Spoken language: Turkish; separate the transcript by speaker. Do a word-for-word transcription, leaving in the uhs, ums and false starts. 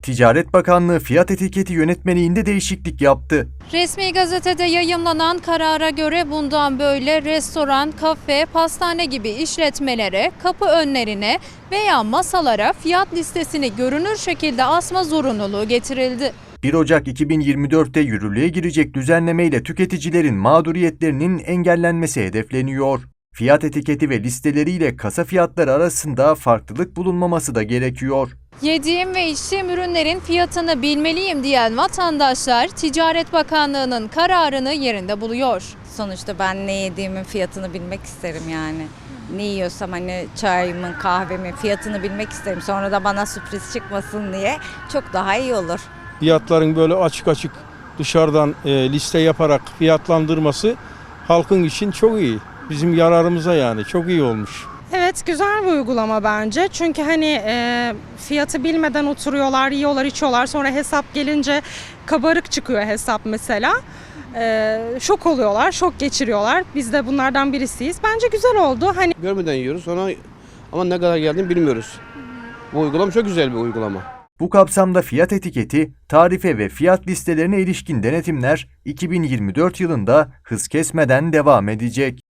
Speaker 1: Ticaret Bakanlığı fiyat etiketi yönetmeliğinde değişiklik yaptı.
Speaker 2: Resmi gazetede yayımlanan karara göre bundan böyle restoran, kafe, pastane gibi işletmelere, kapı önlerine veya masalara fiyat listesini görünür şekilde asma zorunluluğu getirildi.
Speaker 1: bir Ocak iki bin yirmi dört'te yürürlüğe girecek düzenlemeyle tüketicilerin mağduriyetlerinin engellenmesi hedefleniyor. Fiyat etiketi ve listeleriyle kasa fiyatları arasında farklılık bulunmaması da gerekiyor.
Speaker 2: Yediğim ve içtiğim ürünlerin fiyatını bilmeliyim diyen vatandaşlar Ticaret Bakanlığı'nın kararını yerinde buluyor.
Speaker 3: Sonuçta ben ne yediğimin fiyatını bilmek isterim yani. Ne yiyorsam hani çayımın, kahvemin fiyatını bilmek isterim. Sonra da bana sürpriz çıkmasın diye çok daha iyi olur.
Speaker 4: Fiyatların böyle açık açık dışarıdan e, liste yaparak fiyatlandırması halkın için çok iyi. Bizim yararımıza yani çok iyi olmuş.
Speaker 5: Evet, güzel bir uygulama bence. Çünkü hani e, fiyatı bilmeden oturuyorlar, yiyorlar, içiyorlar. Sonra hesap gelince kabarık çıkıyor hesap mesela. E, şok oluyorlar, şok geçiriyorlar. Biz de bunlardan birisiyiz. Bence güzel oldu. Hani
Speaker 6: Görmeden yiyoruz sonra ama ne kadar geldiğini bilmiyoruz. Bu uygulama çok güzel bir uygulama.
Speaker 1: Bu kapsamda fiyat etiketi, tarife ve fiyat listelerine ilişkin denetimler iki bin yirmi dört yılında hız kesmeden devam edecek.